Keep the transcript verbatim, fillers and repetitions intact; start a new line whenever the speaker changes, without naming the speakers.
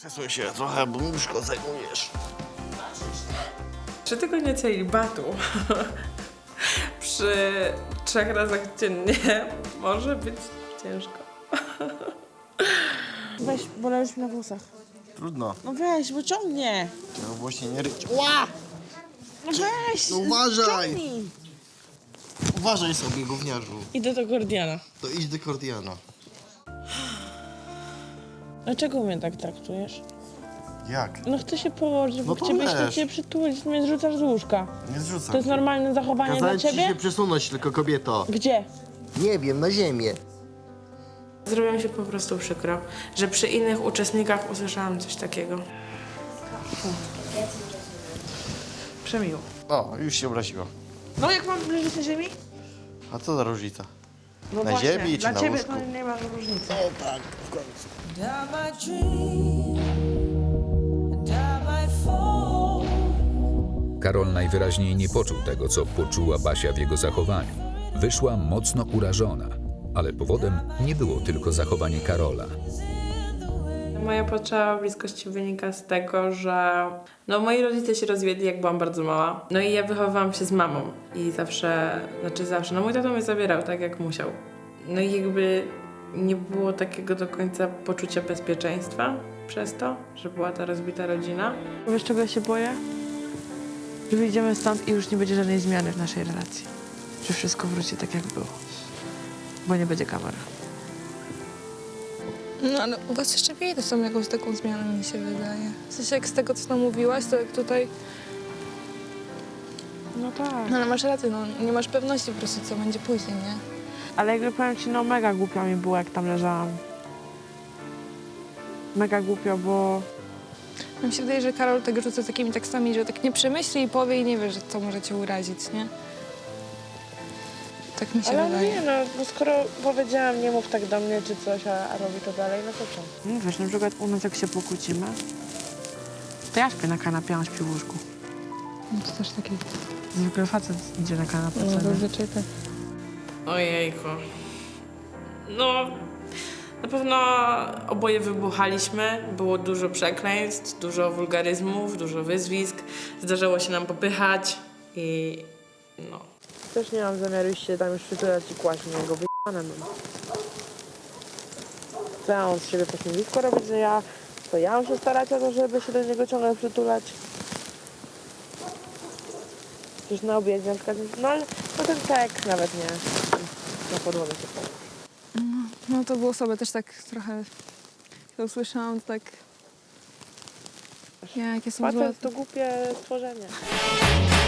Przesuń się trochę, bo nóżko zajmujesz.
Trzy tygodnie celibatu przy trzech razach dziennie może być ciężko.
Weź, bo leżysz mi na włosach.
Trudno.
No weź, bo ciągnie.
Trzeba właśnie nie ryć. Ła!
No weź,
No uważaj!
ciągnij.
Uważaj sobie, gówniarzu.
Idę do Gordiana.
To idź do Kordiana.
Dlaczego mnie tak traktujesz?
Jak?
No chcę się położyć, bo
No to
ciebie się
leż.
cię przytulić, mnie zrzucasz z łóżka.
Nie zrzucam
To jest
cię.
normalne zachowanie
Kazałem
dla
ci
ciebie?
się przesunąć, tylko kobieto.
Gdzie?
Nie wiem, na ziemię.
Zrobiło mi się po prostu przykro, że przy innych uczestnikach usłyszałam coś takiego.
Przemiło.
O, już się obraziło.
No jak mam leżeć na ziemi?
A co za różnica?
No
Na
właśnie,
ziemi czy
dla
na
ciebie
łóżku?
to nie ma różnicy.
O tak, w końcu.
Karol najwyraźniej nie poczuł tego, co poczuła Basia w jego zachowaniu. Wyszła mocno urażona, ale powodem nie było tylko zachowanie Karola.
Moja potrzeba bliskości wynika z tego, że no, moi rodzice się rozwiedli, jak byłam bardzo mała. No i ja wychowywałam się z mamą i zawsze, znaczy zawsze, no mój tato mnie zabierał tak, jak musiał. No i jakby nie było takiego do końca poczucia bezpieczeństwa przez to, że była ta rozbita rodzina.
Wiesz, czego ja się boję? Że wyjdziemy stąd i już nie będzie żadnej zmiany w naszej relacji. Że wszystko wróci tak, jak było. Bo nie będzie kamery.
No ale u was jeszcze widać tam jakąś taką zmianę, mi się wydaje. W sensie jak z tego, co tam mówiłaś, to jak tutaj...
No tak.
No ale masz rację, no nie masz pewności po prostu, co będzie później, nie?
Ale jakby powiem ci, no mega głupio mi było, jak tam leżałam. Mega głupio, bo...
No mi się wydaje, że Karol tak rzuca takimi tekstami, że tak nie przemyśli i powie i nie wie, że to może cię urazić, nie? Tak mi się
Ale
wydaje.
nie, no, bo skoro powiedziałam, nie mów tak do mnie czy coś, a, a robi to dalej, no to co? No wiesz, na przykład u nas jak się pokłócimy, to ja śpię na kanapie, a on śpi w łóżku.
No to też taki...
Zwykle facet idzie na kanapę,
No
co nie?
zazwyczaj tak.
Ojejku. No, na pewno oboje wybuchaliśmy. Było dużo przekleństw, dużo wulgaryzmów, dużo wyzwisk. Zdarzało się nam popychać i no.
Też nie mam zamiaru iść się tam już przytulać i kłaść na niego, wyjebane mam. Co ja mam z siebie pośmiewisko robić, że ja... To ja mam się starać o to, żeby się do niego ciągle przytulać. Przecież na obiedzie na przykład... No ale no ten seks nawet nie. Na podłogę się położy.
No to było sobie też tak trochę... To usłyszałam, to tak... Jakie są złe...
Facet to głupie stworzenie.